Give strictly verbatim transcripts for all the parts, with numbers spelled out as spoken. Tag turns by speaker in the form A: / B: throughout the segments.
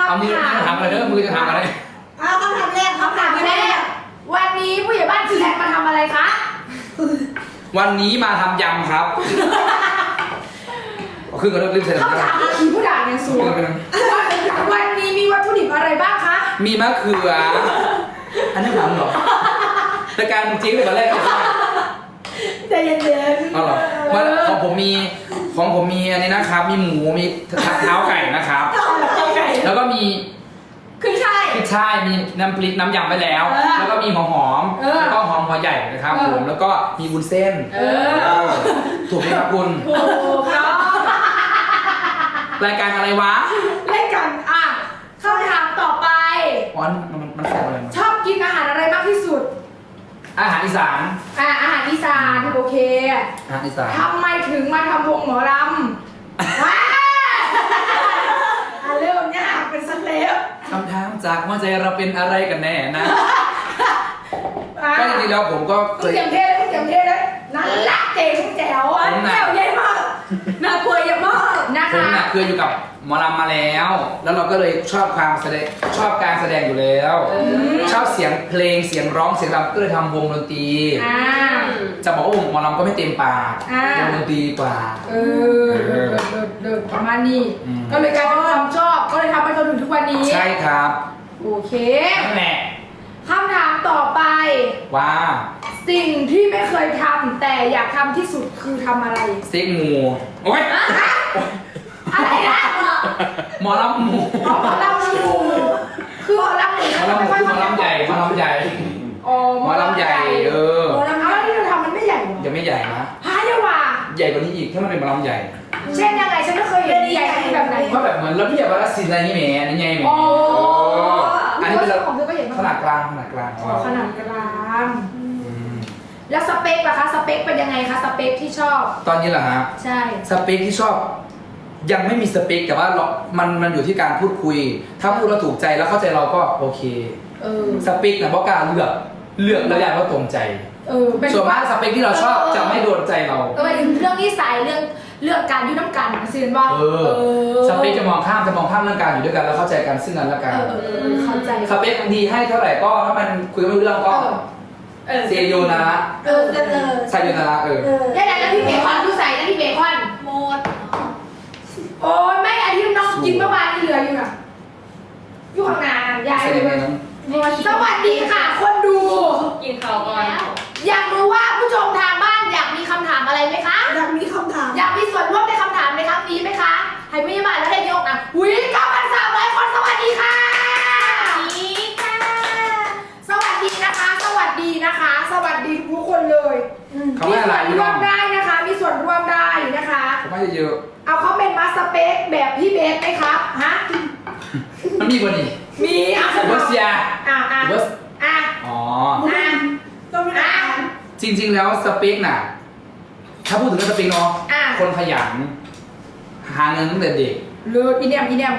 A: เอามือจะทำอะไรเด้อมือจะทำอะไร
B: เอาคำถามแรก
C: คำถามแรกวันนี้ผู้ใหญ่บ้านแท็กมาทำอะไรคะ
A: วันนี้มาทำยำครับขึ้นกันเริ่มเสร็จแล้ว
C: คำถามอาคีผู้ด่าเนี่ยสูงวันนี้มีวัตถุดิบอะไรบ้างคะ
A: มีมะเขืออันนี้ถามเหรอรายการจริงเลยมาแรกเลย
C: ใจเย็นๆ
A: เอาเหรอว่าของผมมีของผมมีอันนี้นะครับ มีหมูมีเท้าไก่นะครับ แล้วก็มี
C: ขึ้นช่าย
A: ขึ้นช่ายมีน้ำพริกน้ำยำไปแล้ว
C: เออ
A: แล้วก็มีหอมหอมๆ
C: เออ
A: แล้วก็หอมหัวใหญ่นะครับ
C: เออ
A: ผมแล้วก็มีวุ้นเส้น
C: เออ
A: ถูกไหมครับคุณ
C: ถูกครับ
A: รายการอะไรวะ
C: เล่นกันอ่ะคำถามต่อไป
A: อ๋อมันมันมันแซ่บอะไรมั้ย
C: ชอบกินอาหารอะไรมากที่สุด
A: อาหารอีสาน
C: อ่ะอาหารอีสานโอเค
A: อาหารอีสาน
C: ทำไมถึงมาทำวงหมอลำว้าอ่ะเริ่มยากเป็นสเต็ป
A: คำถามจากว่าใจเราเป็นอะไรกันแน่นะ
C: อ่ะ
A: ก็จริงๆแล้วผมก็เค
C: มึง
A: ย
C: เตรียมเทเลยมึงเตรียมเทเลยนั่นละเจ๋งแจ๋วอ่ะ
A: ผมน่ะ
C: แจ๋วใหญ่มากน่ากลัวเยอะมากนะ
A: ผม
C: คะ
A: น่ะเคยอยู่กับหมอลำมาแล้ว แล้วเราก็เลยชอบความแสดงชอบการแสดงอยู่แล้ว ชอบเสียงเพลงเสียงร้องเสียงรำก็เลยทำวงดนตรี
C: อ่า
A: จะบอกว่าวงหมอลำก็ไม่เต็มปาก
C: อ่า
A: วงดนตรีดีกว่า
C: เออเดินเดินเดินประมาณนี้
A: อืม
C: ก็เลยกลายเป็นความชอบก็เลยทำมาจนถึงทุกวันนี้
A: ใช่ครับ
C: โอเค
A: นั่นแหละ
C: คำถามต่อไป
A: ว่า
C: สิ่งที่ไม่เคยทำแต่อยากทำที่สุดคือทำอะไร
A: ซิกหมูโอ้ย
C: อะไรนะ
A: หมอลำหมู
C: อ๋อหมอลำชูคือหมอลำหมู
A: หมอลำหมูคือหมอลำใหญ่หมอลำใหญ่
C: อ๋อ
A: หมอลำใหญ่เออ
C: หมอลำเอาแล้วที่เราทำมันไม่ใหญ่เหรอ
A: ยังไม่ใหญ่นะ
C: หาเยาว่า
A: ใหญ่กว่านี้อีกถ้ามันเป็นหมอลำใหญ่
C: เช่นยังไงฉันไม่เคยเห็นใหญ่แบบไหน
A: ก็แบบเหมือนระเบียบวัฒนศิลป์อะไรนี่แหมนี่ไงแหม
C: อ๋อ
A: เอออันนี้เป็น
C: ของเธอก็เห็นมา
A: ขนาดกลางขนาดกลาง
C: อ๋อขนาดกลาง
A: อืม
C: แล้วสเปคล่ะคะสเปคเป็นยังไงคะสเปคที่ชอบ
A: ตอนนี้เหรอฮะ
C: ใช่
A: สเปคที่ชอบ ยังไม่มีสเปคแต่ว่าเรามันมันอยู่ที่การพูดคุย ถ้าพูดแล้วถูกใจแล้วเข้าใจเราก็โอเค
C: เออ
A: สเปคนะเพราะการเลือกเลือกแล้วอยากว่าตรงใจ
C: เออเป็น
A: ส่วนมากสเปคที่เราชอบจะไม่โดนใจเรา
C: เออถึงเรื่องนิสัยเรื่องเรื่องการยุ่งน้ำกันสินว่า
A: เออ สเปคจะมองข้ามจะมองข้ามเรื่องการอยู่ด้วยกันแล้วเข้าใจกันซึ่งกันและกัน
C: เออเออเออเข้าใจ
A: สเปคดีให้เท่าไหร่ก็ถ้ามันคุยกันไม่รู้เรื่องก็
C: เออ
A: เซโยนะ
C: เออเออเออ
A: ไซโยนะเออ
B: เออ
C: ได้แล้วพี่เบคอนดูใส่นะพี่เบคอน
B: หมด
C: โอ้ยไม่อันที่น้องกินเมื่อวานที่เหลืออยู่น่ะอยู่ข้างหน้ายาย
A: ใส่
C: เล
A: ยังไง
C: ย
A: นั้น
C: สวัสดีค่ะ คนดู
B: กินข้าวก่อน
C: อยากรู้ว่าผู้ชมทางบ้านอยากมีคำถามอะไรไหมคะ
B: อยากมีคำถาม
C: อยากมีส่วนร่วมในคำถามในครั้งนี้ไหมคะ ให้พยาบาลแล้วได้ยกนะอุ้ยเก้าพันสามร้อยคนสวัสดีค่ะ
B: นี่ค่ะ
C: สวัสดีนะคะ สวัสดีนะคะ สวัสดีทุกคนเลย
A: เขา
C: มี
A: ไม่อะไร
C: ส่วน
A: พี่
C: ร่
A: น้
C: ว
A: อง
C: มได้นะคะ มีส่วนร่วมได้นะคะ
A: เขาไม่เยอะ
C: เอาเขาเป็นมาสเปคแบบพี่เบสไหมครับฮะ
A: มันมีกว่านี้
C: มีอ่ะ
A: เบอร์เซีย
C: อ่ะอ่ะ
A: เบอร์
C: อ่ะ
A: อ๋อ
C: อ่ะ
B: ต้องเป็นอาหาร
A: จริง ๆ แล้วสเปคน่ะ ถ้าพูดถึงเรื่องสเปคเนาะ
C: อ่ะ
A: คนขยัน หาเงินตั้งแต่เด็ก
C: เลิศอีเนียมอีเนียม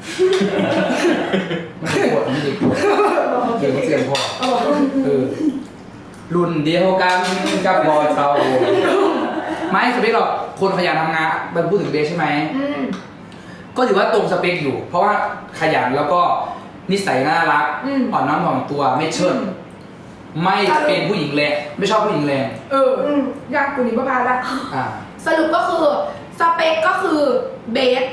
A: มันไม่ปวดมันไม่เด็กปวดเก่งเสียงพอ
C: เอาบอก
A: เออรุ่นเดียวกันกับบอยเตาไม่สเปคหรอกคนขยันทำงานมันพูดถึงเบสใช่ไหม
C: อืม
A: ก็ถือว่าตรงสเปคอยู่ เพราะว่าขยันแล้วก็นิสัยน่ารัก
C: อืม
A: อ่อนน้อมถ่อมตัวไม่เชิดไม่เป็นผู้หญิงแรงไม่ชอบผู้หญิงแรง
C: เอออืมยากกว่านี้ประมาณละ
A: อ่า
C: สรุปก็คือสเปคก็คือเบส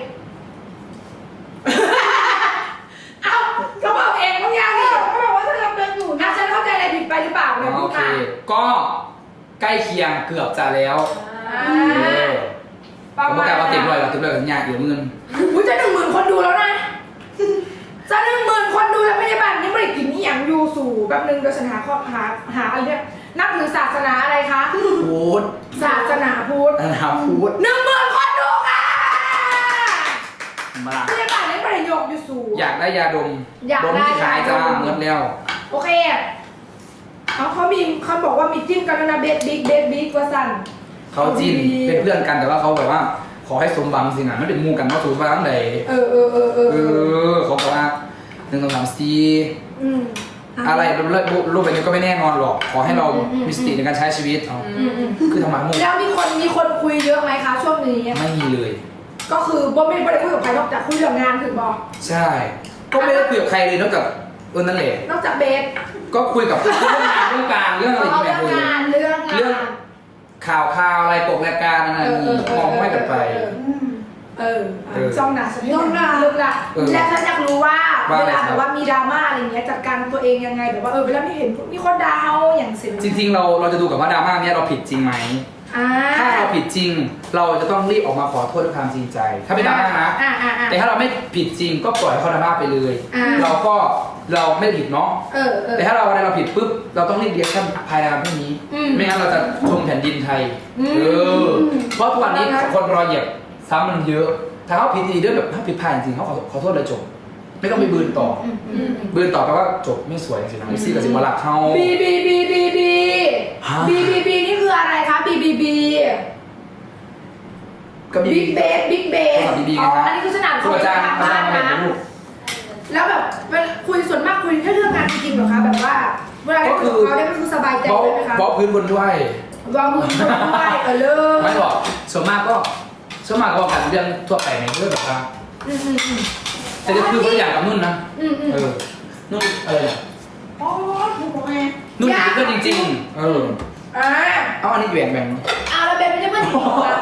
C: เอ้าก็บอกเองมึงยังนี่
B: เขาบอกว่าถ้าเราเป็นอยู่
C: อ่ะ
B: นะ
C: ฉันเข้าใจอะไรผิดไปหรือเปล่าเนี่ย
A: โอ
C: พูด
A: เค
C: มา
A: ก็ใกล้เคียงเกือบจะแล้ว
C: อ่า
A: เออ
C: ประ
A: ผม
C: มา
A: ก็
C: ณ
A: กลายมาเต็มร้อยแล้วเต็มร้อยยากอยู่เงิน
C: อุ้ยจะหนึ่งหมื่นคนดูแล้วนะ จะหนึ่งหมื่นคนดูแล้วพยาบาลยังไม่ได้กินนี่อย่างยูสู่แบบนึงโดยฉันหาข้อหาหาอะไรเนี่ยนับถือศาสนาอะไรคะ
A: พูด
C: ศาสนาพุทธ
A: นะครับพูด
C: หนึ่งหมื่นคนดูค่ะ
A: มา
C: พยาบาลยังไม่ได้ยกยูสู่
A: อยากได้ยาดม
C: อยาก
A: ดม
C: ได้
A: ที่ขายจ้าย
C: าดม
A: เงินแล้ว
C: โอเคเขาเขามีเขาบอกว่ามีจิ้มกันแล้วนะเบสบิ๊กเบสบิ๊กว่าสั่น
A: เขาจีนเป็นเพื่อนกันแต่ว่าเขาแบบว่า ขอให้สมหวังสินะไม่เป็นหมูกันว่าสูงมาตั้งแต่
C: เออเออเออเออ
A: เออเขาบอกว่าหนึ่งสองสามสี่
C: อืม
A: อะไรรูปรูปแบบนี้ก็ไม่แน่นอนหรอก ขอให้เรา
C: อืมอืม
A: มีสติในการใช้ชีวิตเอา
C: อืมอืม
A: คือทำไมมุก
C: แล้วมีคนมีคนคุยเยอะไหมคะช่วงนี้
A: ไม่มีเลย
C: ก็คือบ่ไม่ได้คุยกับใครนอกจากคุยเรื่องงานถึงบอก
A: ใช่ก็ไม่ได้คุยกับใครเลยนอกจากเออนั่นแหละ
C: นอกจากเบส
A: ก็คุยกับเรื่องงานเรื่องการเรื่องอะไร
C: เอา
A: อย่าง
C: เรื่
A: เงี้
C: อย ง
A: เลย
C: งานเรื่องงาน
A: เรื่องข่าวข่าวอะไรปกรายการอะไรนี่มองไม่กันไป
C: เออ
A: เออ
C: จ้องหนาฉันจ้องหนาเลิกละ
A: เออ
C: และฉันอยากรู้ว่า
A: ว่า
C: เว
A: อะไร
C: ลา
A: ครับ
C: แบบว่ามีดราม่าอะไรเงี้ยจัดการตัวเองยังไงแบบว่าเออเวลาไม่เห็นมีคนดาวอย่างเสีย
A: จริงๆเราเราจะดูกับว่าดราม่าเนี้ยเราผิดจริงไหม
C: อ่า
A: ถ้าเราผิดจริง เราจะต้องรีบออกมาขอโทษด้วยความจริงใจ ถ้าเป็นดราม่านะ
C: อ่าอ่าอ่า
A: แต่ถ้าเราไม่ผิดจริงก็ปล่อยให้เขาดราม่าไปเลย
C: อ่า
A: เราก็เราไม่ผิดเนาะ
C: เออเออ
A: แต่ถ้าเราอะไรเราผิดปุ๊บเราต้องรีบเรียกชั่นภายในวันพรุ่งนี้
C: อืม
A: ไม่งั้นเราจะชมแผ่นดินไทย
C: อืม
A: เออเพราะทุกวันนี้
C: แล้วนะ
A: คนรอเหยียบซ้ำมันเยอะ ถ้าเขาผิดดีด้วยแบบถ้าผิดพลาดจริงๆเขาขอขอโทษเลยจบ ไม่ต้องไปบืนต่อ
C: อืมอืมอืม
A: บืนต่อแปลว่าจบไม่สวยจริงๆนะเอฟซีกับสิบวลักเขา
C: บีบีบีบีบี
A: ฮะ
C: บีบีบีนี่คืออะไรคะบีบีบี
A: ก็มี
C: บิ๊กเบสบิ๊กเบส
A: โทรศัพท์ BB
C: อ๋อ
A: ไงครับ
C: อันนี้คือสนาม
A: ครูอาจารย์
C: ทาง
A: อา
C: บ้า
A: จาร
C: น
A: ย์มาเห็น
C: นะ
A: ลูก
C: แล้วแบบเวลาคุยส่วนมากคุยแค่เรื่องงานจริงๆเหรอคะแบบว่าเวลาได้คุยกับเขาได้ก็คือสบายใจ
A: บล็อก
C: เลยไหมคะ
A: บล็อกพื้นบนด้วย
C: วางมือด้วยเออเลิศ
A: ไม่บอกส่วนมากก็ส่วนมากก็บอกกันเรื่องทั่วไปในเรื่องแบบว่า
C: อืมอืมอืม
A: แต่จะคือคนละอย่างกับนุ่นนะ
C: อืมอืม
A: เออนุ่นอะไรเนี่ย
B: อ๋อถูกไง
A: นุ่นเป็นเพื่อนจริงๆ เออ
C: อ่า
A: เอาอันนี้แบ่งแบ่ง
C: เอาแล้วเบนไม่ใช่เพื่อนจริงเหรอ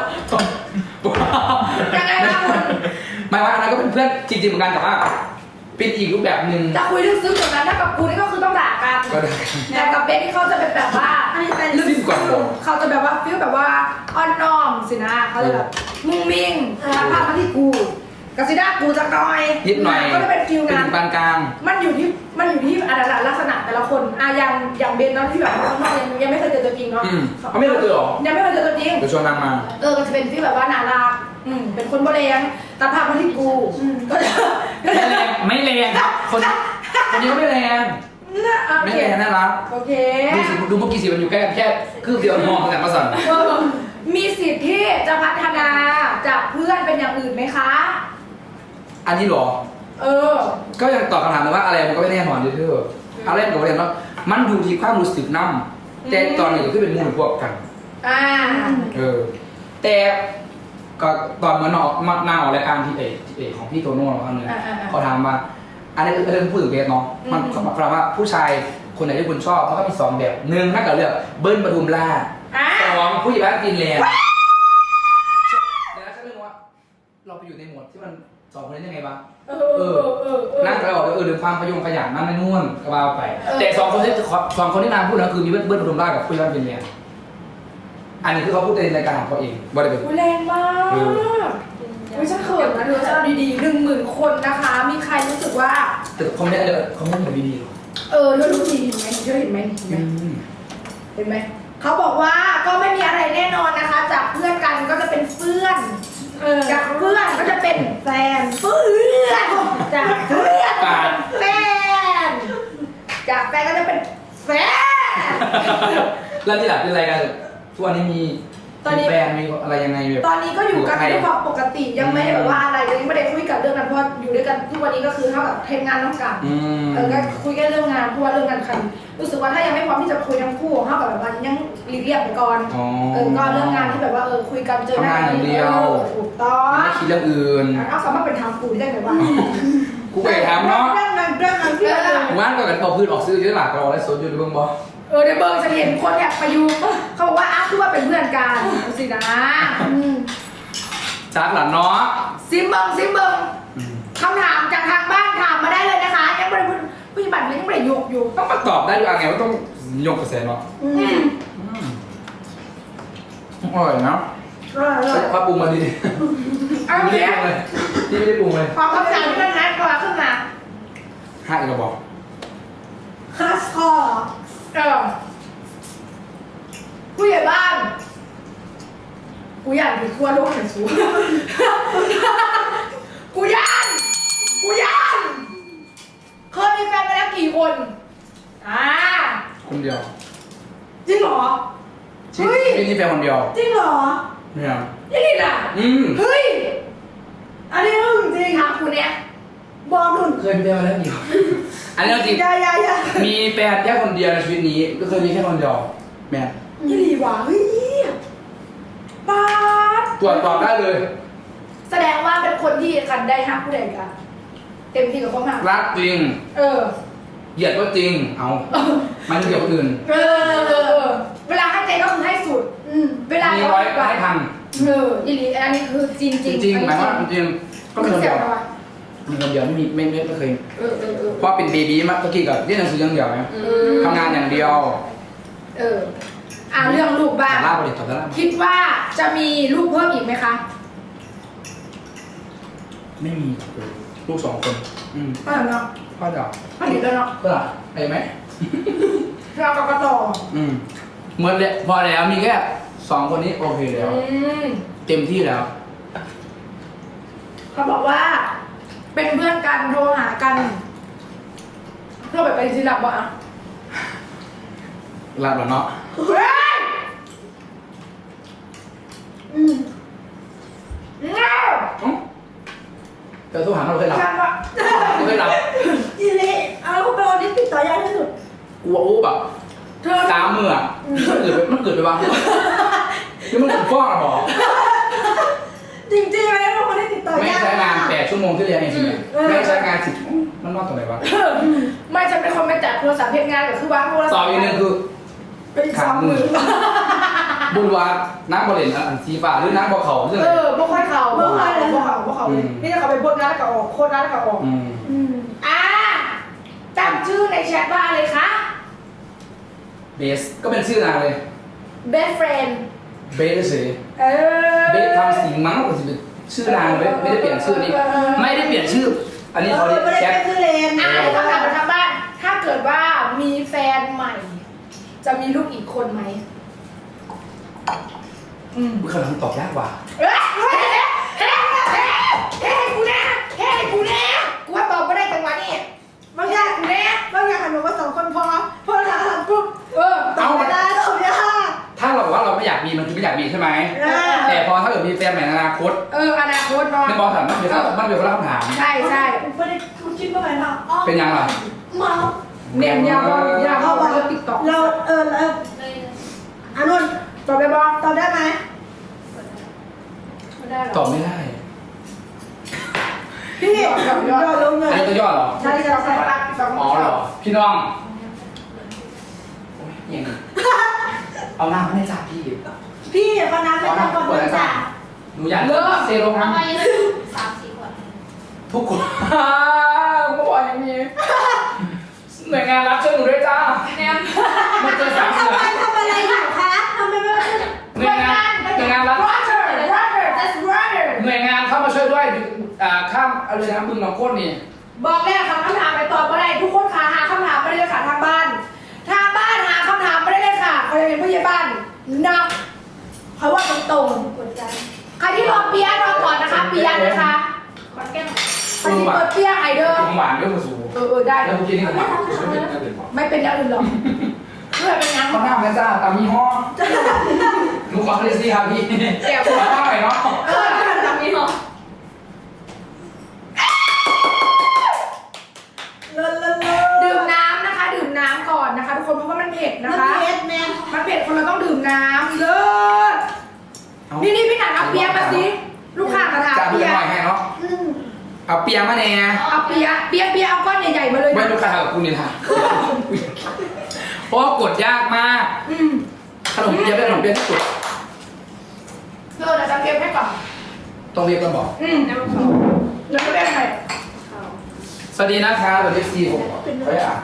C: ยังไงคะคุณ
A: ไม่ว่าอันนั้นก็เป็นเพื่อนจริงๆเหมือนกันแต่ว่าเป็นอีกรูปแบบหนึ่ง
C: จะคุยเรื่องซึ้งอย่างนั้นถ้ากับกูนี่ก็คือต้องด่ากัน
A: ก็ได้
C: แต่กับเบนนี่เขาจะเป็นแบบว่า
B: อันนี้เป็น
A: ลึกกว่า
C: เขาจะแบบว่าฟิลแบบว่าอ่อนน้อมสินะเขาจะแบบมุ้งมิ้งทักภาพมาที่กูกสิด้ากูจะน้อย
A: นิดหน่อย
C: ก็จะเป็นฟิล
A: เป็น
C: งาน
A: ปานกลาง
C: มันอยู่ที่มันอยู่ที่อัตลักษณะแต่ละคนอ่ะอย่างอย่างเบนเนาะที่แบบข้างนอกยังยังไม่เคยเจอตัวจริงเนาะ
A: อืมเขาไม่เคยเจอหรอ
C: ยังไม่เคยเจอตัวจริง
A: เดี๋ยวชวนนางมา
C: เออก็จะเป็นที่แบบว่าน่ารักอืมเป็นคนโบเรียงตัดภาพมาที่กูก็จะก็
A: ไม่
C: จะ
A: แรงไม่แรงคนคนนี้ก็ไม่แรง
C: น่าโอ
A: ไม่
C: เค
A: แรงน่ารัก
C: โอเค
A: ดูสิดูเมื่อกี้สิมันอยู่แค่แค่คืบเดียวมองแต่มาสั่น
C: เออมีสิทธิ์ที่จะพัฒนาจากเพื่อนเป็นอย่างอื่นไหมคะ
A: อันนี้เหรอ
C: เออ
A: ก็ยังตอบคำถามเลยว่าอะไรมันก็ไม่แน่นอนเลยเธออะไรมันก็ไม่แน่นอนมันอยู่ที่ความรู้สึกนั่มแต่ตอนนี้ก็คือเป็นหมูนพวกกัน
C: อ่า
A: เออ แต่ก็ตอนเหมือนออกมาหน้าออกรายการที่เอกเอกของพี่โตโน่ครั้งนึง
C: อ่าอ่าอ่า
A: เขาถามว่า อันนี้เรื่องพูดถึงเบสเนาะมัน
C: อืม
A: เขาถามว่าผู้ชายคนไหนที่คุณชอบเขาก็มีสองแบบหนึ่งถ้าเกิดเลือกเบิ้ลปทุมราช
C: อ่า
A: สองผู้ใหญ่บ้านฟินแลนด์เดี๋ยวนะฉันเรื่องว่า เราไปอยู่ในหมวดที่มันสองคนนี้ยังไงบ้าง
C: เออเออเออเออ
A: นั่งไปบอกเออเรื่องความขยงขยันนั่นไม่นู่นก็ว่าไป
C: เออ
A: แต่สองคนที่สองคนที่นางพูดนะคือมีเบิ้ลเบิ้ลปทุมราชกับผู้ใหญ่บ้านฟินแลนด์อันนี้คือเขาพูดในรายการของเขาเองว่าได้เป็น
C: อุ๊ยแรงมาก
A: เออ
C: อุ้ยฉันเขินนะเธอฉันเอาดีๆหนึ่งหมื่นคนนะคะ มีใครรู้สึกว่า
A: แต่เขาไม่ได้เขาไม่ได้แบบดีๆหรอก
C: เออเธอรู้ดีเห็นไหมเธอเห็นไหมเห็นไหม
A: อืม
C: เห็นไหมเขาบอกว่าก็ไม่มีอะไรแน่นอนนะคะ จากเพื่อนกันก็จะเป็นเพื่อน
B: เออ
C: จากเพื่อนก็จะเป็นแฟนเพื่อนจากเพื่อนก็จะเป็นแฟนจากแฟนก็จะเป็นแฟน
A: แล้วที่หลับเป็นอะไรกันทุกวันนี้มี
C: ตอนนี้
A: มีแฟนมีอะไรยังไงแบบ
C: ตอนนี้ก็อยู่กัน
A: ใคร
C: ด้วยความปกติยังไม่ได้แบบว่าอะไรเลยยังไม่ได้คุยกันเรื่องนั้นเพราะอยู่ด้วยกันทุกวันนี้ก็คือเท่ากับทำงานน้องกัน
A: อืม
C: เออก็คุยแค่เรื่องงานเพราะว่าเรื่องงานคันรู้สึกว่าถ้ายังไม่พร้อมที่จะคุยทั้งคู่เท่ากับแบบว่ายังหลีกเลี่ยงไปก่อน
A: อ๋อ
C: เออก็เรื่องงานที่แบบว่าเออคุยกันเจอหน้า
A: ทำงานอย่างเดียว
C: ออถูกต้อง
A: ไม่คิดเรื่องอื่น
C: เอาสามารถเป็นทางกูได้ไหมวะ
A: กูไปถามเนาะ
B: เรื่องนั้นเรื่องนั้นที่เรา
A: ว่านก็กันเอาพื้นออกซื้อเยอะหลักเราอะไรสดอยู่ในเบื้องบอ
C: เออในเบิร์ฉันเห็นคนแอบไปอยู่เขาบอกว่าอ้าวคือว่าเป็นเพื่อนกันเอาสินะอืม
A: จากหลานเนาะ
C: ซิมเบิงซิมเบิง
A: อืม
C: คำถามจากทางบ้านถามมาได้เลยนะคะยังไม่ได้พูดผู้หญิงบัตรยังไม่ได้ยกอยู่
A: ต้องมาตอบได้ด้วยไงว่าต้องยกกระแสเนาะ
C: อืม
A: อืมอร่อยนะ
B: เออเออ
A: พาปรุงมาดี
C: เอา
A: ไม่
C: เนี้
A: ได้
C: ย
A: ปรุงเลยที่ไม่ได้ปรุงเลย
C: ขอคำถามที่มันนัดกว่าขึ้นมา
A: ห้าอีกระบอก
B: คลาสคอร์
C: เออผู้ใหญ่บ้าน กูอยากอยู่ทั่วโลกแต่สูกูย่านกูย่านเคยมีแฟนไปแล้วกี่คนอ่า
A: คนเดียว
C: จริงเหรอ
A: ที่
C: เฮ้ย
A: ที่นี่แฟนคนเดียว
B: จริงเหรอ
A: เนี่ย
C: ยี่ลินอ่ะ
A: อืม
C: เฮ้ย
B: อันนี้อึ้งจริง
C: ถามคุณเนี่ย
B: บอกหนุน
A: เคยมีแฟนมาแล้วเดียว อันนี้เราจริง
B: อยาอยาอยา
A: มีแฟนแค่คนเดียวในชีวิตนี้ก็เคยมีแค่คนเดียวแม่
C: ยี่ลีว่ะเฮ้ยป๊าด
A: ตรวจสอบได้เลย
C: แสดงว่าเป็นคนที่กันได้ห้ามผู้ใดกันเต็มที่กับความหัก
A: รักจริง
C: เออ
A: เหยียดก็จริงเอามันเหยียดคนอื่น
C: เออเออเออเวลาให้ใจก็คือให้สุด
B: อืม
C: เวลา
A: มีร้อยก็ให้พัน
C: เอออีหลีอันนี้คือจริงจ
A: จ
C: ริง
A: ริงๆหมายว่าจริงๆก็มีคน
C: เสี
A: เดี
C: ย
A: ยว
C: นะวะ
A: มีคนเดียวไม่มีไม่ไม่ไม่เคย
C: เออเออเออ
A: เพราะเป็นเบบีมาเมื่อกี้กับเรียนหนังสืออย่างเดียวไง
C: เออ
A: ทำงานอย่างเดียว
C: เอออ่าเรื่องลูกบ้าง
A: แต่ล่าบริษัทแต่ล่า
C: คิดว่าจะมีลูกเพิ่มอีกไหมคะ
A: ไม่มีลูกสองคนอืม
C: ก็เนาะ
A: พ่อเดียว
C: ผลิตแล้วเนาะ
A: เพื่ออะไรไหม
C: เราก็กระต่อ
A: อืมหมดเลยพอแล้วมีแค่สองคนนี้โอเคแล้ว
C: อืม
A: เต็มที่แล้ว
C: เขาบอกว่า เป็นเพื่อนกันโทรหากันเพื่อแบบไปสิลับวะอ่ะ
A: รับแล้วเนาะ
C: เฮ้ย
B: อืม
C: เงา
A: อื้อเจอทุกหางเราเคยหลับ
C: ฉันว่า
A: ไม่เคยหลับ
B: อีเละเอาลูกไปวันนี้ติดต่อยากที่สุด
A: อ้วอู้แบบ
C: เธอ
A: สามมืออะมันเกิดไปมันเกิดไปบ้างนี่มันถึงฟ้องอะบอก
B: จริงๆเลยลูกคนนี้ติดต่อ
A: ไม่
B: ยาก
A: ใช้งานแปดชั่วโมงที่เรียนเองจริงๆไม่ใช้งานสิบมันนอกตรงไหนวะ
C: ไม่ฉันเป็นคนไปจัดโทรศัพท์เพจงานกับคือวางโทรศัพท์
A: ต่ออีกหนึ่งคือ
C: เป็นอีกสองหมื่น
A: บุญวาน้ำบริเวณอันสีฟ้าหรือน้ำบ่อเขาเรื่อง
C: เอ
A: อะไร
C: อบ่ค่อยเข่าบ่ค่อยเลยบ่เข่าบ่เข่าเลยนี่จะเขาไปบนงานแล้วก็ออกโคตรงานแล้วก็ออก
A: อืม
B: อืม
C: อ่าตั้งชื่อในแชทว่าอะไรคะ
A: เบสก็เป็นชื่อนางเลย
C: best friend
A: เบสเฉย
C: เออ
A: เบสทำสีมั้งก็จะเป็นชื่อนางเลยไม่ได้เปลี่ยนชื่อนี้ไม่ได้เปลี่ยนชื่อ อันนี้เขาเรียก
B: ไม่ได้
A: แชท
B: เป็นซื้อเลน
C: อ่าเดี๋ยวต้องถามทางบ้าน ถ้าเกิดว่ามีแฟนใหม่ จะมีลูกอีกคนไหมอืม
A: อุ๊ยคำถามตอบยากกว่า
C: เฮ้ยเฮ้ยเฮ้ยเฮ้ยเฮ้ยกูแน่เฮ้ยกูแน่กูว่าตอบไม่ได้จังหวะนี้
B: บางอย่าง
C: กูแน่
B: บางอย่างหันมาว่าสองคนพอพอเราทำปุ๊บ
C: เออ
B: ตอบไม่ได้ตอบยาก
A: ถ้าเราบอกว่าเราไม่อยากมีมันคือไม่อยากมีใช่ไหม
B: อ่า
A: แต่พอถ้าเกิดมีแฟนใหม่ในอนาคต
C: เอออนาคตเนาะ
A: ไม่บอกถามมันเป็นมันเป็นคนละคำถาม
C: ใช่ใช่
B: ไม่ได้คิดว่าไงนะอ๋อ
A: เป็นยังไง
B: เมา
C: เนียนยาวยาวเข้าเรื่องติ๊กต็อก
B: เราเออเอออานุน
C: ตอบได้บ้าง
B: ตอบได้ไหม
C: ไม่ได้หร
A: ต
C: อ
A: อบไม่ได้
B: พี่ยอดลงเงิ
A: อัน
B: น
A: นี้ตัวย่อเหรอ
C: ใช่ใช่ใช่ตอบ
A: อ๋อเหรอ พี่น้องโอ้ยยังไงเอาหน้าไม่ได้จ่าพี่
B: พี่คนนั้นไม่ต้องคนนั้นจ้ะ
A: หนูอยากเซโร่
D: ทำ
A: ทั้ง
D: ไมสามสี่ขวด
A: ทุกคนก็บอกอย่างนี้หน่วยงานรับช่วยหนูด้วยจ้า
D: แนม
A: มันเจอสาม
B: ทำ
A: เสือ
B: ไมทำอะไรอยู่คะทำไมไม่มา
A: หน่วยงานหน่วยงานรับ
C: brother brother that's brother
A: หน่วยงานเข้ามาช่วยด้วยอ่าข้ามอะไรนะบึงหนองโคตรนี่
C: บอกแล้วคำถามไปตอบไม่ได้ทุกคนค่ะหาคำถามไม่ได้เลยค่ะทางบ้าน ทางบ้านหาคำถามไม่ได้เลยค่ะใครเป็นผู้ใหญ่บ้านนับเพราะว่าตรงตรง
B: กดใจ
C: ๆใครที่รอเปียรอก่อนนะคะเปียนะคะ
D: ขวดแก้ว
C: ใครที่เปิดเปียไอเดอร์
A: ผมหวานด้วยมาสู
C: เออเออได้
A: แล้วเมื่อกี้นี่ผมหวานไม่เป็นไม่เป็นหรอ
C: ไม่เป็นอย่างอื่นหรอกเพื่อเป็นยัง
A: เขาหน้าแม่จ้าตามยี่ห้อหนูขอคริสตี้ครับพี่เดี๋ยวขอหน้าหน่อยเนาะ
C: เออแบบนี้เหรอ
B: เลิศเลิศเลิศ
C: ดื่มน้ำนะคะ ดื่มน้ำก่อนนะคะ ทุกคนเพราะว่ามันเผ็ดนะคะ
B: เม็ดแม่
C: มันเผ็ดคนเราต้องดื่มน้ำเลิศนี่นี่พี่หนันเอาเปียมาสิลูกค้ามาถาม
A: จ้าเพื่
C: เปี
A: อน
C: ย
A: หน่อยให้เนาะ
B: อืม
A: เอาเปียมาแน่
C: เอาเปียเปียเปียเอาก้อนใหญ่ๆมาเลย
A: ไม่
C: นะ
A: ลูกค้ากับกูนี่ท่าเพราะว่ากดยากมาก
C: อืม
A: ขนมเปียเป็นขนมเปียที่สุด
C: เออเดี๋ยวจะเก็บให้ก่อน
A: ต้องเรียกกันบอก
C: อืมแล้วก็เรียกใคร
A: สวัสดีนะคะสวัสดีซีผมเฮ้ยอ่ะ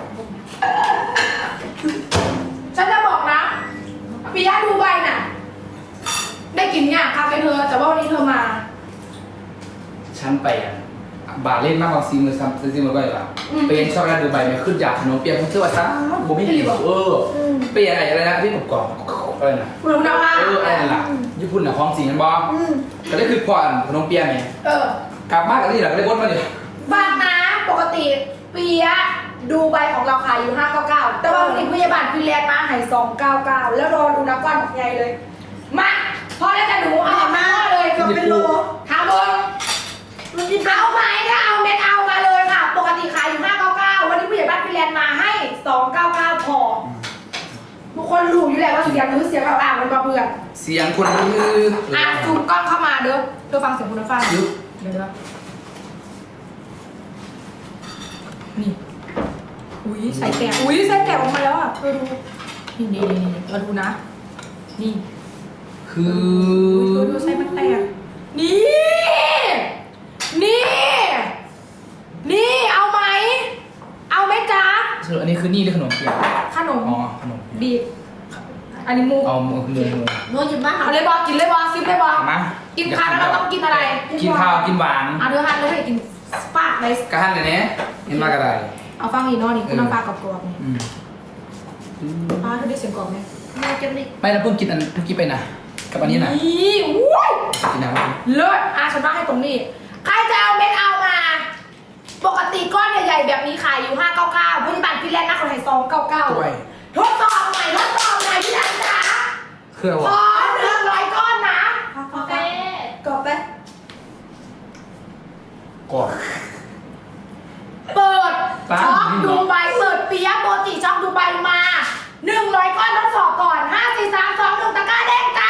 C: ฉันจะบอกนะปียะดูใบน่ะ ได้กินเนี่ยคาเฟ่เธอแต่ว่าวันนี้เธอมา
A: ฉันไปอ่ะบาทเล่นมากกว่าซีมือซ้ำซีมือก็เลยเป็นช็อกโกแลตดูใบเนี่ยขึ้นอยากขนมเปียกเชื่อว่าซ้ำผมไม่กินเออเปียอะไรอะไรนะที่ผมกรอบอะไรนะ
C: คุณคุณภาพ
A: เอออะไรนั่นล่ะญี่ปุ่นน่ะของจริงกันบอ
B: อืม
A: ก็ได้คือควานขนมเปียไหม
C: เออก
A: ลับมากกันที่หลังก็ได้วนมาดิ
C: บางนะปกติปียะดูใบของเราขายอยู่ห้าเก้าเก้าแต่ว่าวันนี้พยาบาลฟินแลนด์มาให้สองเก้าเก้าแล้วรอดูนะก้อนใหญ่เลย มาพอแล้วจะหนูเอามาเลย
B: เกือบเป็นโล
C: ถามบน
B: มันกิน
C: เอาไหมถ้าเอาเม็ดเอามาเลยค่ะ ปกติขายอยู่ห้าเก้าเก้าวันนี้ผู้ใหญ่บ้านฟินแลนด์มาให้สองเก้าเก้าพอทุกคนรู้อยู่แล้วว่าเสียงหรือเสียงเราอ่านมันก็เบื่อ
A: เสียงคนลือ
C: อ่ะซูมกล้องเข้ามาเด้อเธอฟังเสียงคุณฟ้า
A: ยุ
C: เดี๋ยวนะยใส่แตกอุ้ยใส่แตกออกมาแล้วอ่ะเธอดูนี่นี่นี่นี่เราดูนะนี่
A: คือ
C: เธอดูใส่มันแตกนี่นี่นี่เอาไหมเอาไหมจ๊ะ
A: สรุปอันนี้คือนี่หรือขนมเปี๊ยะ
C: ขนม
A: อ๋อขนมเปี๊ยะ
C: บีบอันนี้มู
A: เอามือมือมือ
B: โน้ตหยิบมา
C: เอาเลยบอกกินเลยบอกซิมเลยบอก
A: เอามา
C: กินข้าวแล้วเราต้องกินอะไร
A: กินข้าวกินหวาน
C: เอาเดี๋ยวหันแล้วไปกินปากเลย
A: กระหันเลยเนี้ยเห็นมากระไร
C: เอาฟังอีกเนอนี่คุณน้ำปลากรอบๆนี่
A: อืม
C: ปลาเธอได้เสียงกรอบไหม
B: แม่จะไม่
A: ไม่นะเพิ่งกินอันเพิ่งกินไปนะกับอันนี้นะ
C: นี่อุ้ย
A: กินน้ำ
C: เลิศอาฉันว่าให้ตรงนี้ ใครจะเอาเม็ดเอามา ปกติก้อนใหญ่ๆแบบนี้ขายอยู่ห้าเก้าเก้าพยาบาลฟินแลนด์นะคนไทยสองเก้าเก้า
A: ด้วย
C: ทดสอบใหม่ทดสอบใหม่พี่ดันจ๋า
A: เครื่อง
C: ข
A: วะ
C: อหนึ่งร้อยก้อนนะ
D: โอเค
B: กรอบไป
A: ก่อน
C: เปิด
A: ปั๊บ
C: ช็อกดูใบเปิดเปียะโปรติช็อกดูใบมาหนึ่งร้อยก้อนทดสอบก่อนห้าสี่สามสองหนึ่งตะกร้าแดงจ้า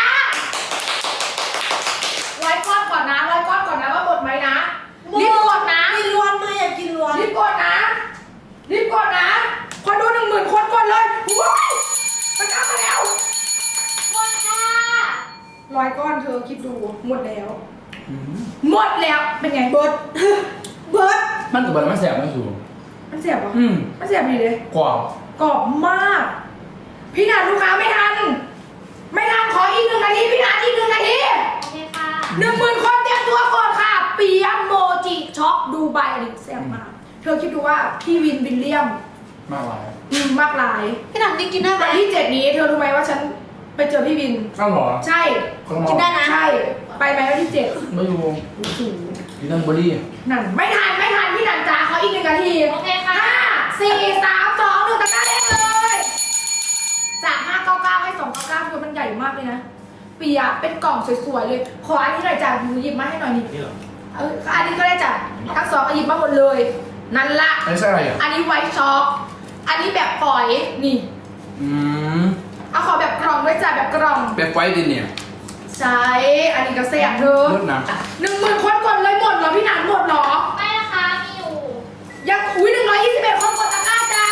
C: ร้อยก้อนก่อนนะร้อยก้อนก่อนนะว่าหมดไหมนะรีบกดนะ
B: กินล้วนมาอยากกินล้วน
C: รีบกดนะ รีบกดนะ คนดูหนึ่งหมื่นคนกดเลยว้ายมันเอามาแล้ว
D: หมดค่ะ
C: ร้อยก้อนเธอคิดดู หมดแล้ว
A: อืม
C: หมดแล้ว เป็นไง
B: เบิร์ดเบิร์ด
A: มันกับบอะไรมันแสบไม่สูง
C: มันเสียบปะ
A: อืม
C: มันเสียบดีเลย
A: กรอบ
C: กรอบมาก พี่นันลูกค้าไม่ทัน ไม่ทันขออีกหนึ่งนาที พี่นันอีกหนึ่งนาที
D: โอเคค่ะ
C: หนึ่งหมื่นคนเตรียมตัวก่อนค่ะ เปียโมจิช็อกดูใบอันนี้แซ่บมาก เธอคิดดูว่าพี่วินวิลเลียม
A: มากหลาย
C: อืมมากหลาย
B: พี่หนังนี่กินได้ไหม
C: วันที่เจ็ดนี้เธอรู้ไหมว่าฉันไปเจอพี่วิน
A: ข้าวหรอ
C: ใช่
A: ข้าวหมอ
B: กินได้นะ
C: ใช่ ไปไหมวันที่เจ็ด
A: ไม่รู้
C: โอ้โห
A: กินนั่งเบอร์รี่
C: นั่นไม่ทันไม่ทันพี่นันจ้าเขาอีกหนึ่งนาที
D: โอเคค่ะ
C: ห้าสี่สามสองหนึ่งตะกร้าแดงเลย จากห้าเก้าเก้าให้สองเก้าเก้าคือมันใหญ่มากเลยนะ เปียะเป็นกล่องสวยๆเลย ขออันนี้หน่อยจ้ะหนูหยิบมาให้หน่อยนี่เอออันนี้ก็ได้จ้ะทั้งสองก็หยิบมาหมดเลย นั่นละ
A: อันนี้ใช่อะไรอ่ะ
C: อันนี้ไวท์ช็อกอันนี้แบบปล่อยนี่
A: อืม
C: เอาขอแบบกล่องด้วยจ้ะแบบกล่อง
A: แบบไฟดินเนี่ย
C: ใช่อันนี้ก็เสียบเธอ
A: เลิศนะ
C: หนึ่งหมื่นคนกดเลยหมดเหรอพี่หนันหมดเหรอ
D: ไม่นะคะ มีอยู่
C: ยังอุ้ยหนึ่งร้อยยี่สิบเอ็ดคนกดตะกร้าจ้า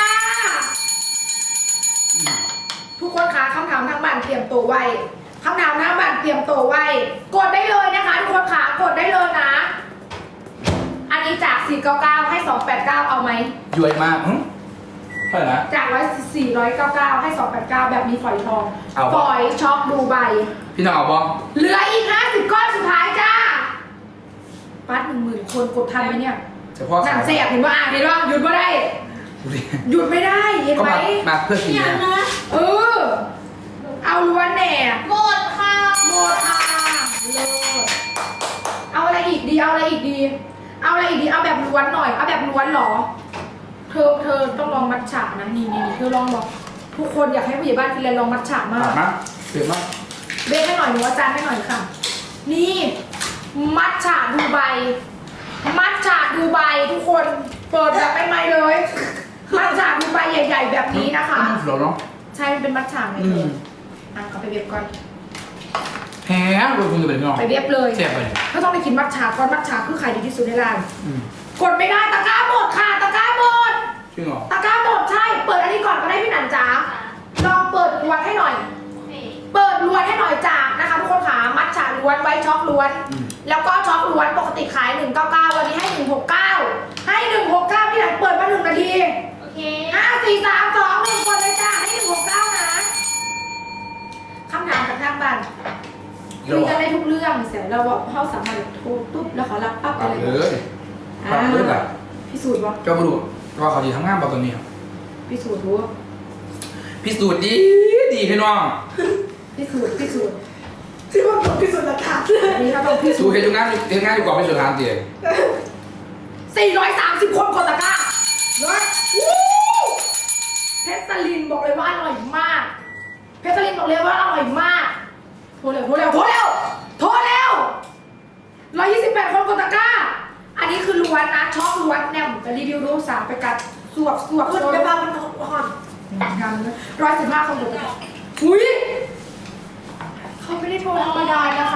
C: ทุกคนคะคำถามทางบ้านเตรียมตัวไว้คำถามทางบ้านเตรียมตัวไว้ กดได้เลยนะคะ ทุกคนคะกดได้เลยนะ อันนี้จากสี่เก้าเก้าให้สองแปดเก้าเอาไหม
A: ย้วยมากหึเท่าไหร่นะ
C: จากร้อยสี่ร้อยเก้าเก้าให้สองแปดเก้าแบบมีฝอยทอง
A: เอาปะ
C: ฝอยช็อกดูใบ
A: พี่น้องเอาบอ
C: เหลืออีกห้าสิบก้อนสุดท้ายจ้าปัดหนึ่งหมื่นคนกดทันไหมเนี่ย
A: เฉพาะ
C: หนั
A: ขาง ย
C: เสียบเห็นว่าอ่านเห็นว่าหยุดไม่ได้
A: ดูดิ
C: หยุดไม่ได้เห็น
A: ก็
C: ไหม
A: มามาเพื่อกิน
B: อย่าง
A: นะ
B: นะ
C: เออ เอาล้วนแหน่
D: หมดค่ะ
C: หมดค่ะเลิศเอาอะไรอีกดี เอาอะไรอีกดี เอาอะไรอีกดี เอาแบบล้วนหน่อย เอาแบบล้วนเหรอ เธอ เธอต้องลองมัทฉะนะ นี่นี่เธอลองบอก ทุกคนอยากให้ผู้ใหญ่บ้านฟินแลนด์ลองมัทฉะมา
A: ถาก มมากเปลี่ยนมาก
C: เบสให้หน่อยหนูอาจารย์ให้หน่อยค่ะ นี่ มัทฉะดูไบ มัทฉะดูไบทุกคน เปิดแบบใหม่ๆเลย มัทฉะดูไบใหญ่ ๆ แบบนี้นะคะ
A: หรอเนาะ
C: ใช่ มันเป็นมัทฉะไง
A: อื
C: เธ
A: ม
C: ออ่ะเอาไปเว็บก่อน
A: แฮะรวมคุณจะเป็นพี่น้อง
C: ไปเว็บเลย
A: เสียบไปเลย
C: ถ้าต้องไปกินมัทฉะก่อนมัทฉะคือขายดีที่สุดในร้าน
A: อืม
C: กดไม่ได้ตะกร้าหมดค่ะตะกร้าหมด
A: จริงเหรอ
C: ตะกร้าหมดใช่ เปิดอันนี้ก่อนก็ได้พี่หนันจ๋าลองเปิดล้วนให้หน่อย
D: โอเค
C: เปิดล้วนให้หน่อยจากนะคะทุกคนขามัทฉะล้วนไว้ช็อกล้วน
A: อืม
C: แล้วก็ช็อกล้วนปกติขายหนึ่งเก้าเก้าวันนี้ให้หนึ่งหกเก้าให้หนึ่งหกเก้าพี่หนันเปิดมาหนึ่งนาที
D: โอเค
C: ห้าสี่สามสองหนึ่งกดเลยจ้าให้หนึ่งหกเก้านะคำถามจากทางบ้าน
A: เดี๋ยว
C: คุยกันได้ทุกเรื่องเสร็จแล้วว่าเขาสามารถโทรปุ๊บแล้วเขารับปั๊บ
A: ตัด
C: อะไร
A: เลยตัดเลยแบบ
C: พิสูจน์วะ
A: เจ้าบุรุษว่าเขาดีทำงานเปล่าตัวนี้
C: พิสูจน์รู้
A: พิสูจน์ดีดีพี่น้อง
C: พิสูจน์พิสูจน์
B: ที่ว่าผมพิสูจน์หลักฐาน
C: อันนี้เขาต้องพิสู
A: สู
C: จน์
A: เห็นงานเห็นงานอยู่ก่อนไม่สุดทางเดียว
C: สี่ร้อยสามสิบคนกดตะกร้าเฮ้ยวู้เพชรสลินบอกเลยว่าอร่อยมาก เพชรสลินบอกเลยว่าอร่อยมากโทรเร็วโทรเร็วโทรเร็วโทรเร็วร้อยยี่สิบแปดคนกดตะกร้า อันนี้คือล้วนนะช็อกล้วนแนมจะรีวิวดูสามไปกัดสวบสวบ
B: คุณ
C: สวบ
B: ไปพามันห่อน
C: ทำนะร้อยสิบห้าคนกดตะกร้าอุ้ยเขาไม่ได้โทรธรรมดานะคะ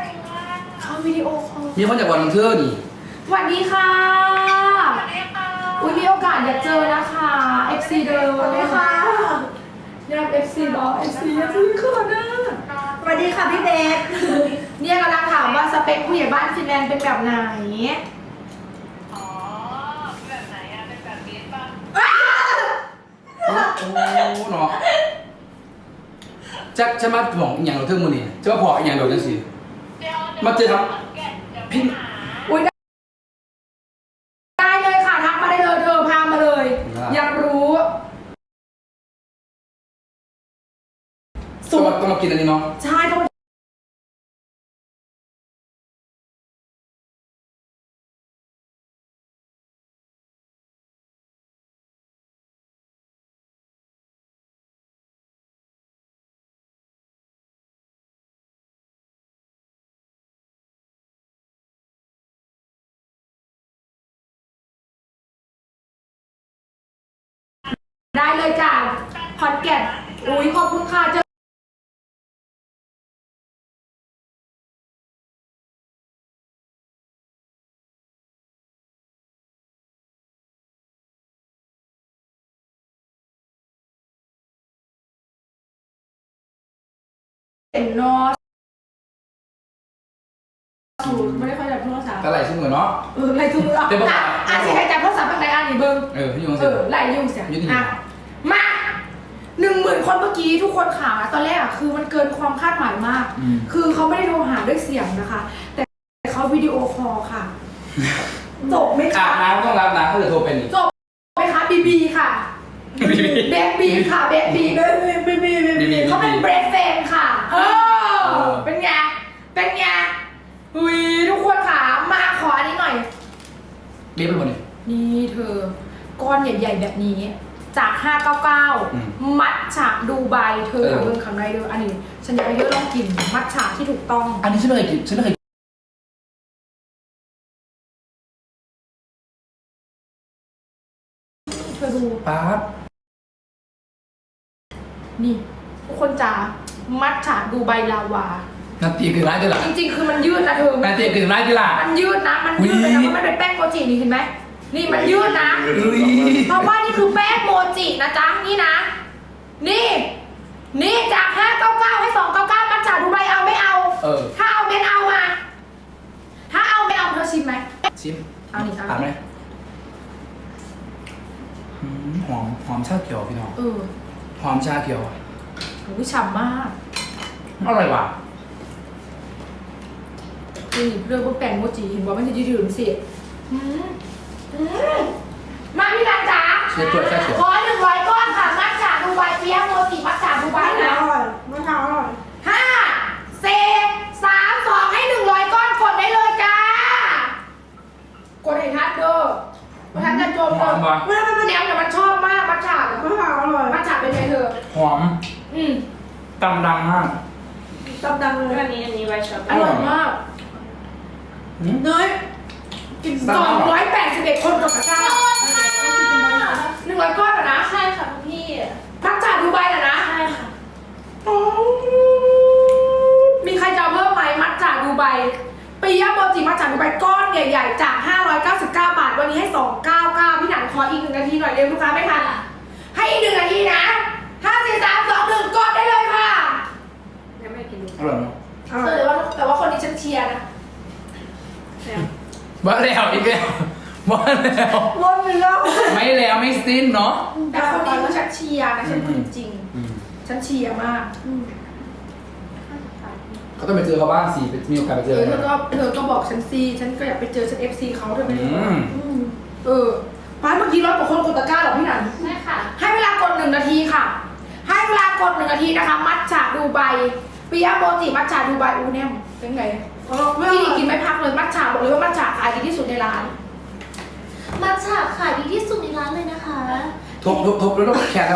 C: เขาวิดีโอคอล
A: มีคนจากวันบันเทิงนี่
C: สวัสดีค่ะ
D: สวัสดีค่ะ
C: อุ้ยมีโอกาสอยากเจอนะคะ เอฟ ซี เดิม
B: สวัสดีค่ะ
C: อยาก เอฟ ซี บอส เอฟ ซี เอฟ ซี ขึ้นมาหน้า
B: สวัสดีค่ะพี่เบส
C: เนี่ยกำลังถามว่าสเปคผู้ใหญ่บ้านฟินแลนด์เป็นแบบไหน
E: อ๋อ แบบไหนอะเป็นแบบเบสป่ะ
A: โอ้เนาะจะจะมาบอกอหย่างเราเทิงมือนี่จะมาพออหย่างเราจังสิ
E: เดี๋ยว
A: มาเจอครับ
E: แกะเดี๋ยว
A: พี่
E: ไปหา
C: อุ้ยได้เลยค่ะทักมาได้เลยเธอพามาเลย อยากรู้
A: ต้องมาต้องมากินอันนี้เนาะ
C: ใช่ต้องได้เลยจ้ะคอนแกตอุ้ยขอบคุณค่ะเจอเห็นเนอะสูตรไม่ได้ค่อยจับโทรศัพท์
A: ก็ไหลชิ้นเหมือนเนาะ
C: เออไล่ทุ่มอ่ะ
A: เดี๋ยวบอก
C: อ่ะอ่ะสิใครจับโทรศัพท์อะไรอ่ะนี่เบิ้ง
A: เออพี่ยง
C: เอ
A: สิ
C: อไล่ยุ่งเสีย
A: ยุ่ง
C: อ่ะมาหนึ่งหมื่นคนเมื่อกี้ทุกคนขาตอนแรกอ่ะคือมันเกินความคาดหมายมาก
A: อืม
C: คือเขาไม่ได้โทรหาด้วยเสียงนะคะ แต่เขาวิดีโอคอลค่ะจบไหม
A: อา
C: คะ
A: บน้ำต้องรับน้ำถ้าเกิดโทรเป็นอีก
C: จบไหมคะบีบีค่ะเบบีค่ะเบบี
B: เบสเบสเบสเบส
A: บีบี
C: เขาเป็นเบรดเฟนค่ะ เออ
A: เออ
C: เป็นไงเป็นไงอุ้ยทุกคนค่ะมาขออันนี้หน่อย
A: เบี้ยเป็นคนนี่
C: นี่เธอก้อนใหญ่ๆแบบนี้ จากห้าเก้าเก้า
A: อืม
C: มัทฉะดูไบเธอ
A: เออ
C: ทำเรื่องคำไรเด้ออันนี้ ฉันอยากให้เธอลองกินมัทฉะที่ถูกต้อง
A: อันนี้ฉันไม่เคยกินฉันไม่เคย
C: เธอดู
A: ป๊าบ
C: นี่ ทุกคนจ๋ามัทฉะดูไบลาวา
A: นาตีคือร้ายจีหล่ะ
C: จริงๆ คือมันยืดนะเธอ
A: นาตีคือร้ายจีหล่ะ
C: มันยืดนะ มันยืดเลยนะ
A: อุ๊ย
C: เพราะมันเป็นแป้งโมจินี่เห็นไหมนี่มันยืดนะ
A: อุ้ย
C: เพราะว่านี่คือแป้งโมจินะจ๊ะนี่นะ นี่ นี่จากห้าเก้าเก้าให้สองเก้าเก้ามัทฉะดูไบเอาไม่เอา
A: เออ
C: ถ้าเอาเป็นเอามา ถ้าเอาเป็นเอาเธอชิมไหม
A: ชิม
C: เอานี่เอา
A: อ่านไหมหืมหอมหอมชาเขียวพี่น้อง
C: เออ
A: หอมชาเขียว
C: โหฉ่ำมาก
A: อร่อยว่ะ
C: นี่เรื่องพวกแป้งโมจิเห็นว่ามันจะยืดๆสิอืมอืมมาพี่นันจ๋า
A: เชื้อตัวชาเขียว
C: ขอหนึ่งร้อยก้อนค่ะ มัทฉะดูไบเปี๊ยะโมจิมัทฉะดูไบ
B: อ
C: นะ
B: ร่อยมะพร้าวอร่อย
C: ห้าสี่สามสองให้หนึ่งร้อยก้อนกดได้เลยจ้า กดให้ทัดเด้อมาทัดจะโจม
A: หอมว่ะ
C: เวลามันแนวแต่มันชอบมากมัทฉะ
B: มะพร้าวอร่อย
C: มัทฉะเป็นไงเธอ
A: หอม
C: อืม
A: ตำดังมาก
B: ตำดังเลย
E: อันนี้อันนี้ไวท์ช็อป
C: อร่อยมาก
A: หืม
B: เนย
A: กิน
C: สองร้อยแปดสิบเอ็ดคนกดตะกร้าหนึ่งร้อยก้อนเหรอนะ
D: ใช่ค่ะคุณพี่
C: มัทฉะดูไบเหรอนะ
D: ใช่ค่ะ
C: มีใครจะเอาเพิ่มไหมมัทฉะดูไบปียะโมจิมัทฉะดูไบก้อนใหญ่ๆ จาก ห้าร้อยเก้าสิบเก้า บาท วันนี้ให้ สองร้อยเก้าสิบเก้า พี่หนันขออีกหนึ่งนาทีหน่อยเร็วลูกค้าไม่ทัน ให้อีกหนึ่งนาทีนะห้า สี่ สาม สอง หนึ่งกดได้เลยค่ะ
B: ยังไม่กิน
A: อร่อยเนาะ
B: อร่อย
C: แต่ว่าแต่ว่าคนนี้ฉันเชียร์นะ
A: บ้าแล้วอีกแล้วบ้าแล้ว
B: รสเนื้อ
A: ไม่แล้วไม่สิ้นเนาะ
C: แต่คนนี้คือฉันเชียร์นะฉันพูดจริง
A: อืม
C: ๆฉันเชียร์มาก
A: เขาต้องไปเจอเขาบ้างสิไปมีโอกาสไปเจ
C: เอ
A: อ
C: อเธอก็เธอก็บอกฉันซีฉันก็อยากไปเจอฉันเอฟซีเขาเธอไป
A: อืม
C: เออป้าเมื่อกี้ร้อยกว่าคนกดตะกร้าเหรอพี่หนัน
D: ใช่ค่ะ
C: ให้เวลากดหนึ่งนาทีค่ะ ให้เวลากดหนึ่งนาทีนะคะ มัทฉะดูไบปิยะโมจิมัทฉะดูไบอูแนมเป็นไง
B: อร่อยไม่อ
C: พี่
B: ร่อย
C: กินไม่พักเลยมัทฉะบอกเลยว่ามัทฉะขายดีที่สุดในร้าน
D: มัทฉะขายดีที่สุดในร้านเลยนะคะ
A: ทุบทุบทุบแล้วต้องแค่แล้ว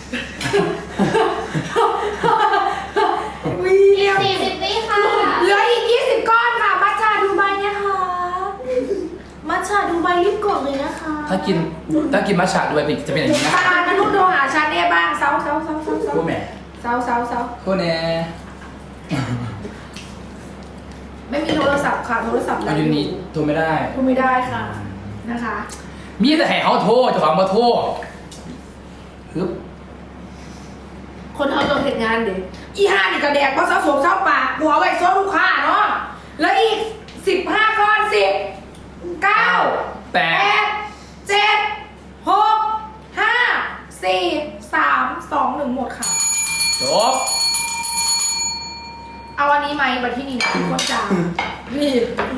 C: วี
D: อีกสี่สิบวิค่ะ
C: เหลืออีกยี่สิบก้อนค่ะ มัทฉะดูไบเนี่ยค่ะ
D: มัทฉะดูใบรีบกดเลยนะคะ
A: ถ้ากินถ้ากินมัทฉะด้วยจะเป็นอย่างนี้นะ
C: ตาลนุ่นโทรหาฉันเนี่ยบ้างเซาเซาเซาเซาเซา
A: คู่แม่
C: เซาเซาเซา
A: คู่แน่
C: ไม่มีโทรศัพท์ค่ะ โทรศัพท์
A: อายุนี้โทรไม่ได้
C: พูดไม่ได้ค่ะนะคะ
A: มีแต่ให้เขาโทษเจ้าของมาโทษฮึบ
C: คนเขาต้องเห็นงานเด็กอีห้านี่กระแดกเพราะเสาสมเสาปากหัวไว้โซ่ลูกค้าเนาะแล้วอีกสิบห้าก้อนสิบเก้า
A: แป
C: แป
A: ด
C: ดเจ็ดหกห้าสี่สามสองหนึ่งหมดค่ะ
A: จบ
C: เอาอันนี้ไหมบัตรที่นี่นะทุกคนจ้านี่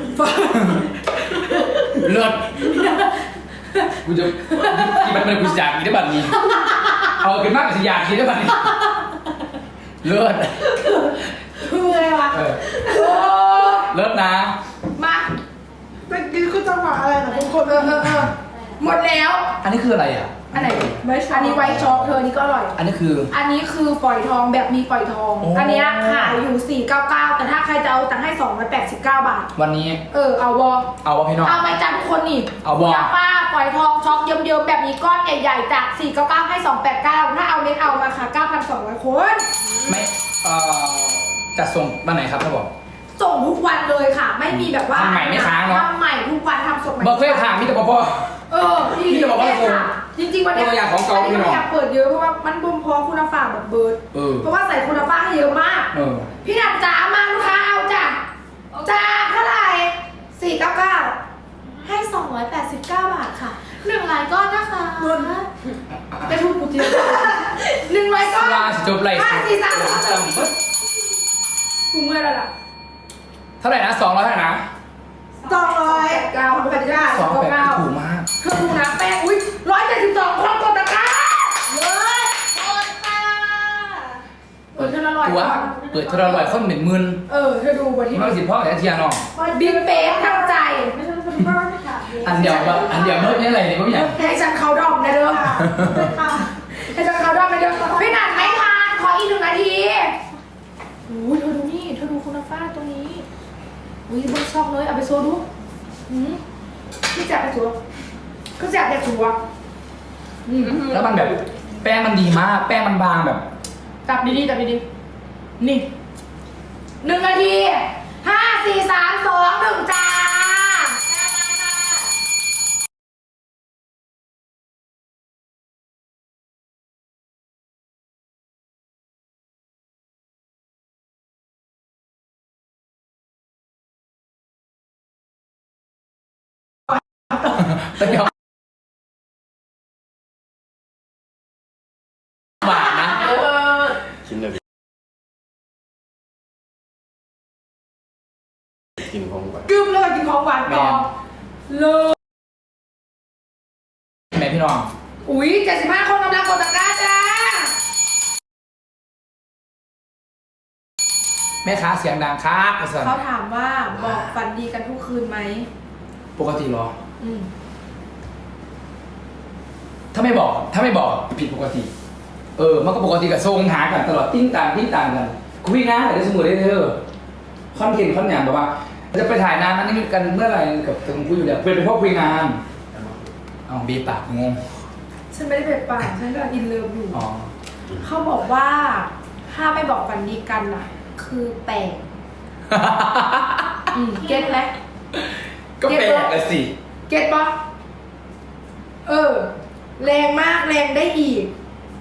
A: เลิศกูจะกินมันเป็นกูจะอยากกินได้บัดนี้ เอากินมากกว่าจะอยากกินได้บัดนี้ เลิศ
C: คืออะไรวะ
A: เออ
C: โอ้
A: เลิศนะ
C: มา
B: เมื่อกี้คือจังหวะอะไรนะทุกคน
C: เออเออเออหมดแล้ว
A: อันนี้คืออะไรอ่ะ
C: อันไหนอันนี้ไวท์ช็อกเธออันนี้ก็อร่อย
A: อันนี้คือ
C: อันนี้คือฝอยทองแบบมีฝอยทอง
A: โอ้
C: อันเนี้ยขายอยู่สี่เก้าเก้าแต่ถ้าใครจะเอาตังค์ให้สองร้อยแปดสิบเก้าบาท
A: วันนี้
C: เออเอาวอ
A: เอาวะพี่น้อง
C: เอาไหมจ้าทุกคนนี่
A: เอาบ่
C: คุณป้าฝอยทองช็อกเยิ้มๆแบบนี้ก้อนใหญ่ๆจากสี่เก้าเก้าให้สองแปดเก้าถ้าเอาเน็ตเอามาค่ะเก้าพันสองร้อยคน
A: ไม่เอ่อจัดส่งวันไหนครับท่านบอก
C: ส่งทุกวันเลยค่ะ ไม่มีแบบว่า
A: ทำใหม่ไม่ค้างเนอะ
C: ทำใหม่ทุกวันทำสดใหม่
A: บอกเคยถามมิแต่พ่อ
C: เออ
A: พี่จะบอกว่า
C: แค่ะจริงๆวันเนี้
A: ตัวอย่างของเก่า
C: อันนี้
A: พี่น้
C: ไม่
A: อง
C: อยากเปิดเยอะเพราะว่ามันบ่มพอคุณภาพแบบเบิร์ด
A: เออ
C: เพราะว่าใส่คุณภาพให้เยอะมาก
A: เออ
C: พี่นันจ๋ามาลูกค้าเอาจ้ะจ้าเท่าไหร่สี่เก้าเก้า
D: ให้สองร้อยแปดสิบเก้าบาทค่ะหนึ่งรายก้อนนะคะ
C: จะทุบกูจริงหนึ่งร้อยก้อน
A: ลาสิจบไร
C: ห้าสี่สามสองกูเมื่อยแล้วล่ะ
A: เท่าไหร่นะสองร้อยเท่าไหร่นะ
C: สองร้อยเก้าพันเก้า
A: สองแปด
C: เก้า
A: ถูกมาก
C: เธอดูนะแป้งอุ้ยร้อยเจ็ดสิบสองคนกดตะกร้า
D: เลยโอนค่ะ
C: เปิดเท่าละร้อย
A: ตัวเปิดเท่าไหร่คนหนึ่งหมื่น
C: เออเธอดูบนที่
A: มันสิพ่อแต่เทียนอง
C: บิ๊กเป๊กทั้งใจ
B: ไม่ใช่เป็นพ่อไม่ค่ะ
A: อันเดียวแบบอันเดียวเมื่อกี้อะไรเนี่ยก็ไม่อยาก
C: ให้ฉันเขาดอมนะเด้อ
B: ค่ะ
C: ให้ฉันเขาดอมนะเด้อพี่นันไม่ทานขออีกหนึ่งนาทีโอ้ยเธอดูนี่เธอดูคุณฟ้าตรงนี้อุ้ยบนช่องเลยเอาไปโซดูหืมพี่จับไปชัวก็จับไปชัวอืม
A: แล้วมันแบบแป้งมันดีมาก แป้งมันบางแบบ
C: จับดีๆจับดีๆนี่หนึ่งนาทีห้าสี่สามสองหนึ่งจ้า
A: แต่เดี๋ยวบาทนะ
C: เออ
F: ชิ้นเลยกินของหวาน
C: กึมเลยกินของหวานต่อเลย
A: แม่พี่น้อง
C: อุ้ยเจ็ดสิบห้าคนกำลังกดตะกร้าจ้า
A: แม่ค้าเสียงดังครับอาจารย์
C: เขาถามว่าบอกฝันดีกันทุกคืนไหม
A: ปกติเหรอ
C: อืม
A: ถ้าไม่บอก ถ้าไม่บอกผิดปกติ เออ มันก็ปกติกับทรงหากันตลอดติ้งต่างติ้งต่างกัน คุยงานอะไรสมุดได้เธอคอนเทนต์คอนอย่างแบบว่า จะไปถ่ายนานนั้นนี่กันเมื่อไหร่กับตรงคุยอยู่เดี๋ยวเป็นเป็นพวกคุยงานเอาบีปากงง
C: ฉันไม่ได้เป็นป่าฉันก็อินเลิฟอยู่
A: อ๋อ
C: เขาบอกว่า ถ้าไม่บอกฝันดีกันน่ะ คือแปลกอืมเก็ตไหม
A: ก็แปลกเลยสิ
C: เก็ตปะเออ แรงมากแรงได้อีก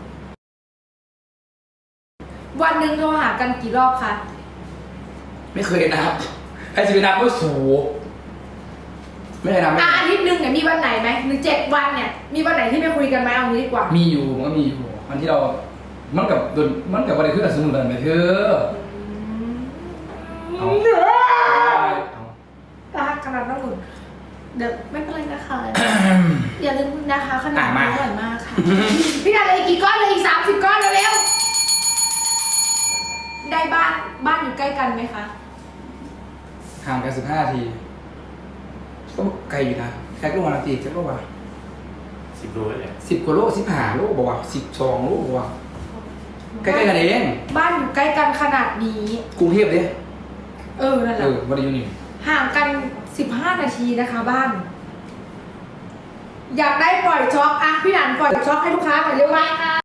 C: วันหนึ่งโทรหากันกี่รอบคะ
A: ไม่เคยนับใครจะไปนับว่าสูไม่ได้นับไม่
C: อ่ะ
A: ได้
C: อาทิตย์หนึ่งเนี่ยมีวันไหนไหมหรือเจ็ดวันเนี่ย มีวันไหนที่ไม่คุยกันไหมเอางี้ดีกว่า
A: มีอยู่มันก็มีอยู่วันที่เรา มันกับโดนมันกับวันใดขึ้นกับสมุนไพรไปเถอะเอาเอา
C: รักขนาดนั้นหนุนเดี๋ยวไม่เป็นไรนะคะ อย่าลืมนะคะขนม
A: อ่ะมา
C: อร่อยมากค่ะ พี่นาเลยอีกกี่ก้อนเลยอีกสามสิบก้อนเร็วๆได้บ้านบ้านอยู่ใกล้กันไหมคะ
A: ห่างกันสิบห้านาทีก็ไกลอยู่นะไกลก็วันละตีจะก็ว่า
F: สิบโลเลย
A: สิบกว่าโลสิบห้าโลบอกว่าสิบสองโลบอกว่าใกล้ๆกันเอง
C: บ้านอยู่ใกล้กันขนาดนี้
A: กรุงเทพเลย
C: เออนั่นแห
A: เอ
C: ละ
A: อวันนี้อยู่นี่
C: ห่างกันสิบห้านาทีนะคะบ้าน อยากได้ปล่อยช็อคอ่ะพี่หนันปล่อยช็อคให้ลูกค้าหน่อยเร็วไหม